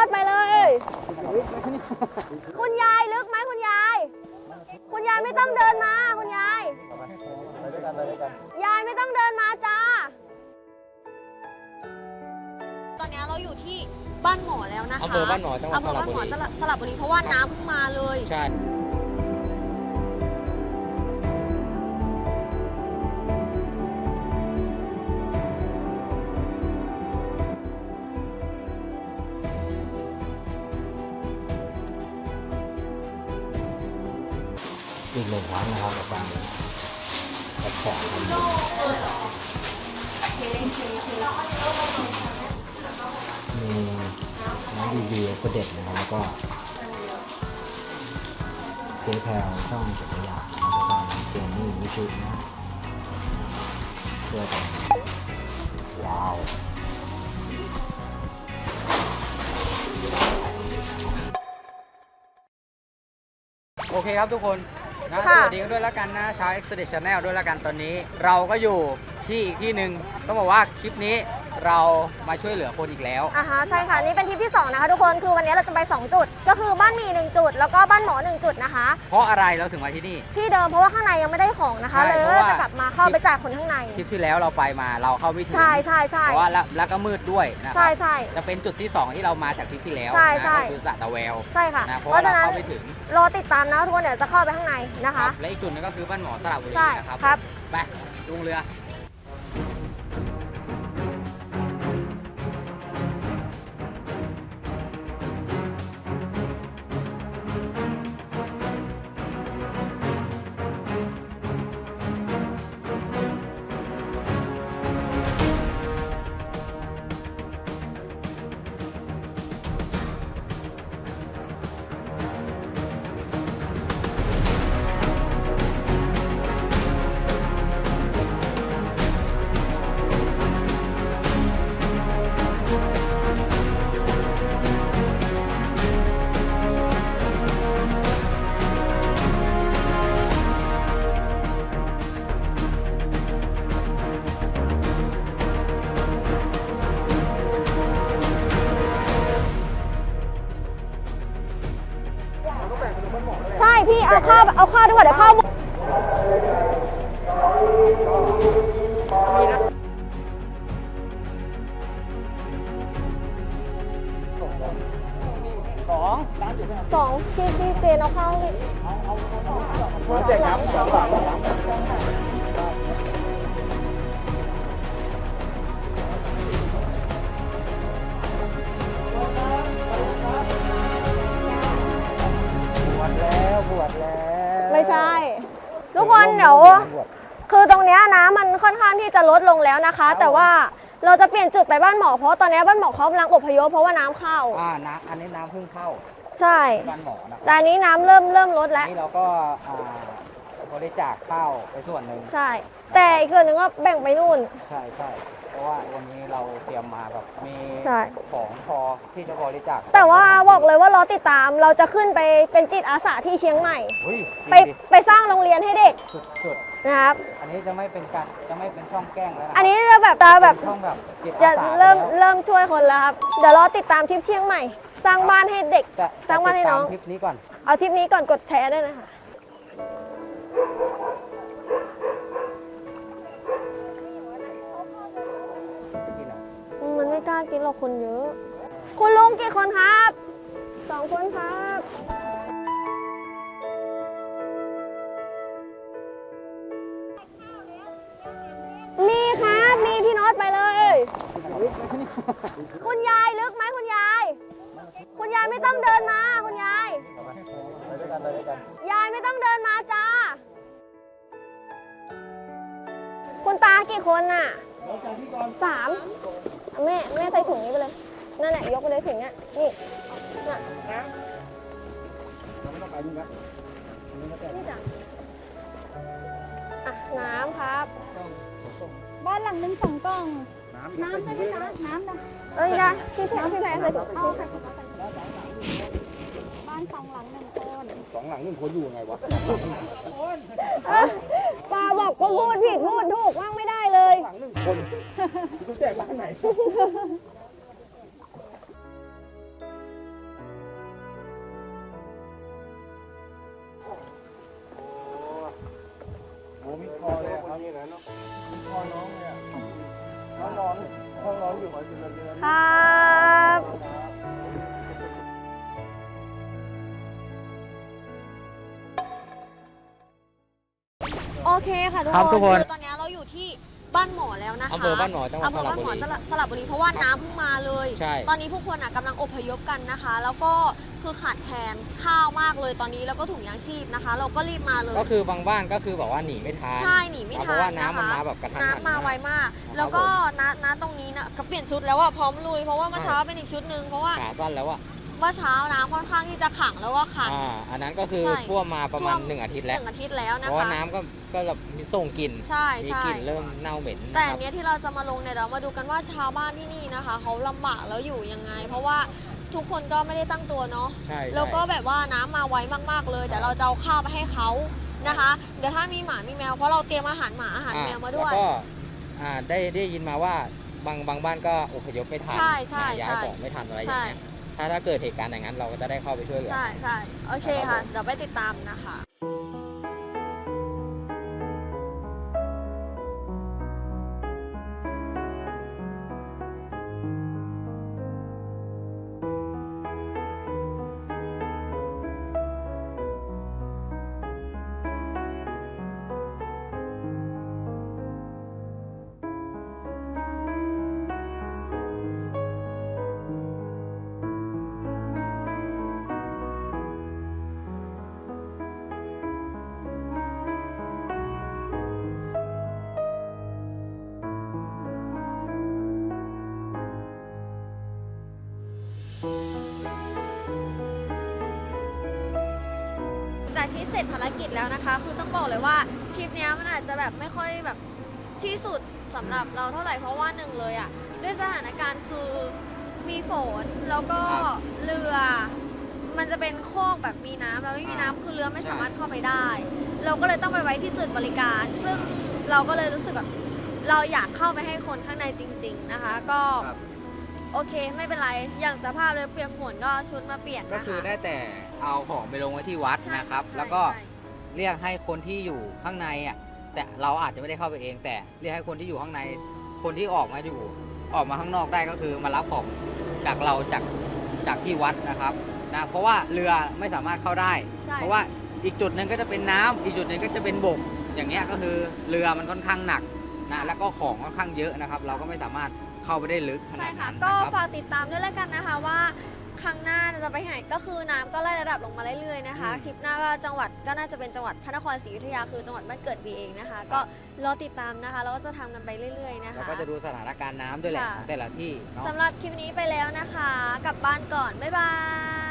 ถไปเลยคุณยายลึกไหมคุณยายไม่ต้องเดินมาคุณยายยายไม่ต้องเดินมาจ้าตอนนี้เราอยู่ที่บ้านหมอแล้วนะคะอำเภอบ้านหมอจังหวัดสระบุรีเพราะว่าน้ำเพิ่งมาเลยใช่อีกหนึ่งครั้งนะครับกับการแข่งขันมีน้องดีเสด็จนะครับแล้วก็เจ๊แพรช่องสุขยาแล้วก็น้องเจนนี่วิชุนะช่วยกันว้าวโอเคครับทุกคนนะสวัสดีกันด้วยแล้วกันนะชาว Exodus Channel ด้วยแล้วกันตอนนี้เราก็อยู่ที่อีกที่หนึ่งต้องบอกว่าคลิปนี้เรามาช่วยเหลือคนอีกแล้วใช่ค่ะนี่เป็นทริปที่2นะคะทุกคนคือวันนี้เราจะไป2จุดก็คือบ้านหมี1จุดแล้วก็บ้านหมอ1จุดนะคะเพราะอะไรเราถึงมาที่นี่ที่เดิมเพราะว่าข้างในยังไม่ได้ของนะคะเลยจะกลับมาเข้าไปจ่ายคนข้างในทริปที่แล้วเราไปมาเราเข้าไม่ถึงใช่เพราะว่าแล้วก็มืดด้วยนะใช่จะเป็นจุดที่2ที่เรามาจากทริปที่แล้วก็คือสระตะแววใช่ค่ะเพราะว่าเราเข้าไม่ถึงรอติดตามนะทุกคนเดี๋ยวจะเข้าไปข้างในนะคะและอีกจุดนึงก็คือบ้านหมอสระบุรีนะครับไปลงเรือใช่พี่เอาข้าวดีกว่าเดี๋ยวข้าวสองที่เจนเอาข้าวเด็กครับบวชแล้วไม่ใช่ทุกคนเดี๋ยวคือตรงนี้น้ำมันค่อนข้างที่จะลดลงแล้วนะคะแต่ว่าเราจะเปลี่ยนจุดไปบ้านหมอเพราะตอนนี้บ้านหมอเขากำลังอพยพเพราะว่าน้ำเข้าน้ำอันนี้น้ำเพิ่งเข้าใช่บ้านหมอนะแต่อันนี้น้ำเริ่มลดแล้วนี่เราก็บริจาคข้าวไปส่วนหนึ่งใช่แต่อีกส่วนหนึ่งก็แบ่งไปนู่นใช่เพราะว่าวันนี้เราเตรียมมาแบบมีของพอที่จะบริจาคแต่ว่าบอกเลยว่ารอติดตามเราจะขึ้นไปเป็นจิตอาสาที่เชียงใหม่ไปสร้างโรงเรียนให้เด็กสุดนะครับอันนี้จะไม่เป็นช่องแกล้งแล้วนะอันนี้จะแบบช่องแบบจะเริ่มช่วยคนแล้วครับเดี๋ยวรอติดตามทริปเชียงใหม่สร้างบ้านให้เด็กสร้างบ้านให้น้องทริปนี้ก่อนเอาทริปนี้ก่อนกดแชร์ด้วยนะคะมันไม่กล้ากินหรอกคนเยอะคุณลุงกี่คนครับ2 คนครับมีครับมีพี่น็อตไปเลยคุณยายลึกไหมคุณยายไม่ต้องเดินมาคุณยายไม่ต้องเดินมาจ้าคุณตากี่คนน่ะ3แม่ใส่ถุงนี้ไปเลยนั่นแหละยกไปเลยถุงเนี้ยนี่น่ะนี่จ้ะน้ำครับบ้านหลังนึง2 กล่องน้ำได้ไหมคะน้ำนะนะพี่แพรใส่ถุงบ้าน2 หลัง 1 คน 2 หลัง 1 คนอยู่ไงวะป้าบอกก็พูดผิดพูดถูกว่างไม่ได้เลยหลัง 1 คนคุณแจกบ้านไหนน้องอยู่มาสิบเดือนครับโอเคค่ะทุกครับทุกคคน นคือตอนนี้เราอยู่ที่บ้านหมอแล้วนะคะอำเภอบ้านหมอจังหวัดอำเภอบ้านหมอสระบุรีสระบุรีเพราะว่าน้ำเพิ่งมาเลยใช่ตอนนี้ผู้คนกำลังอพยพกันนะคะ แล้วก็คือขาดแคลนข้าวมากเลยตอนนี้แล้วก็ถุงยางชีพนะคะ เราก็รีบมาเลยก็คือบางบ้านก็คือแบบว่าหนีไม่ทันใช่หนีไม่เพทัราะนว่านะน้ำมันคะมาแบบกระทันหันน้ำมาไวมาก แล้วก็ณตรงนี้นะก็เปลี่ยนชุดแล้วอะพร้อมลุยเพราะว่าเมื่อเช้าเป็นอีกชุดหนึ่งเพราะว่าขาสั้นแล้วอะเมื่อเช้าน้ำค่อนข้างที่จะขังแล้วก็ขังอันนั้นก็คือใช่ท่วมมาประมาณท่วม 1 อาทิตย์แล้ว 1 อาทิตย์แล้วเพนะราะว่าคะน้ำก็แบบมีส่งกลิ่นใช่มีใช่กลิ่นเริ่มเน่าเหม็นแต่นะคอัรันบเนี้ยที่เราจะมาลงเนี่ยเรามาดูกันว่าชาวบ้านที่นี่นะคะเขาลำบากแล้วอยู่ยังไง เพราะว่าทุกคนก็ไม่ได้ตั้งตัวเนาะใช่แล้วก็แบบว่าน้ำมาไวมากๆเลยเดี๋ยวเราจะเอาข้าวไปให้เขานะคะ เดี๋ยวถ้ามีหมามีแมวเพราะเราเตรียมอาหารหมาอาหารแมวมาด้วยแล้วก็ได้ยินมาว่าบางบ้านก็อพยพไม่ทันใช่ใช่ย้ายใช่ของไม่ทันอะไรอย่างเงี้ยใช่ถ้าเกิดเหตุการณ์อย่างนั้นเราก็จะได้เข้าไปช่วยเหลือใช่ใช่โอเคครัค่ะบผมเดี๋ยวไปติดตามนะคะ จากที่เสร็จภารกิจแล้วนะคะ คือต้องบอกเลยว่าทริปเนี้ยมันอาจจะแบบไม่ค่อยแบบที่สุดสำหรับเราเท่าไหร่เพราะว่าหนึ่งเลยอ่ะด้วยสถานการณ์คือมีฝนแล้วก็ครับเรือมันจะเป็นโคกแบบมีน้ำแล้วไม่มีน้ำคือเรือไม่สามารถเข้าไปได้ เราก็เลยต้องไปไว้ที่จุดบริการ ซึ่งเราก็เลยรู้สึกแบบเราอยากเข้าไปให้คนข้างในจริง ๆนะคะ ก็ครับโอเคไม่เป็นไรอย่างสภาพเลยเปียกฝนก็ชุดมาเปลี่ยนก็นะคะคือได้แต่เอาของไปลงไว้ที่วัดใช่นะครับใช่แล้วก็ใช่เรียกให้คนที่อยู่ข้างในอ่ะแต่เราอาจจะไม่ได้เข้าไปเอง แต่เรียกให้คนที่อยู่ข้างใน คนที่ออกมาข้างนอกได้ก็คือมารับของจากเราจากที่วัดนะครับนะเพราะว่าเรือไม่สามารถเข้าได้ใช่เพราะว่าอีกจุดหนึ่งก็จะเป็นน้ำอีกจุดหนึ่งก็จะเป็นบกอย่างเงี้ยก็คือเรือมันค่อนข้างหนักนะแล้วก็ของค่อนข้างเยอะนะครับ เราก็ไม่สามารถเข้าไปได้ลึกขใช่นาดค่ะนั้นก็นะครับฝากติดตามด้วยแล้วกันนะคะว่าครั้งหน้าจะไปที่ไหนก็คือน้ำก็ไล่ระดับลงมาเรื่อยๆนะคะอืมคลิปหน้าก็จังหวัดก็น่าจะเป็นจังหวัดพระนครศรีอยุธยาคือจังหวัดบ้านเกิดบีเองนะคะ ก็รอติดตามนะคะแล้วก็จะทำกันไปเรื่อยๆนะคะเราก็จะดูสถานการณ์น้ำด้วยแหละค่ะของแต่ละที่เนาะสำหรับคลิปนี้ไปแล้วนะคะกลับบ้านก่อนบ๊ายบาย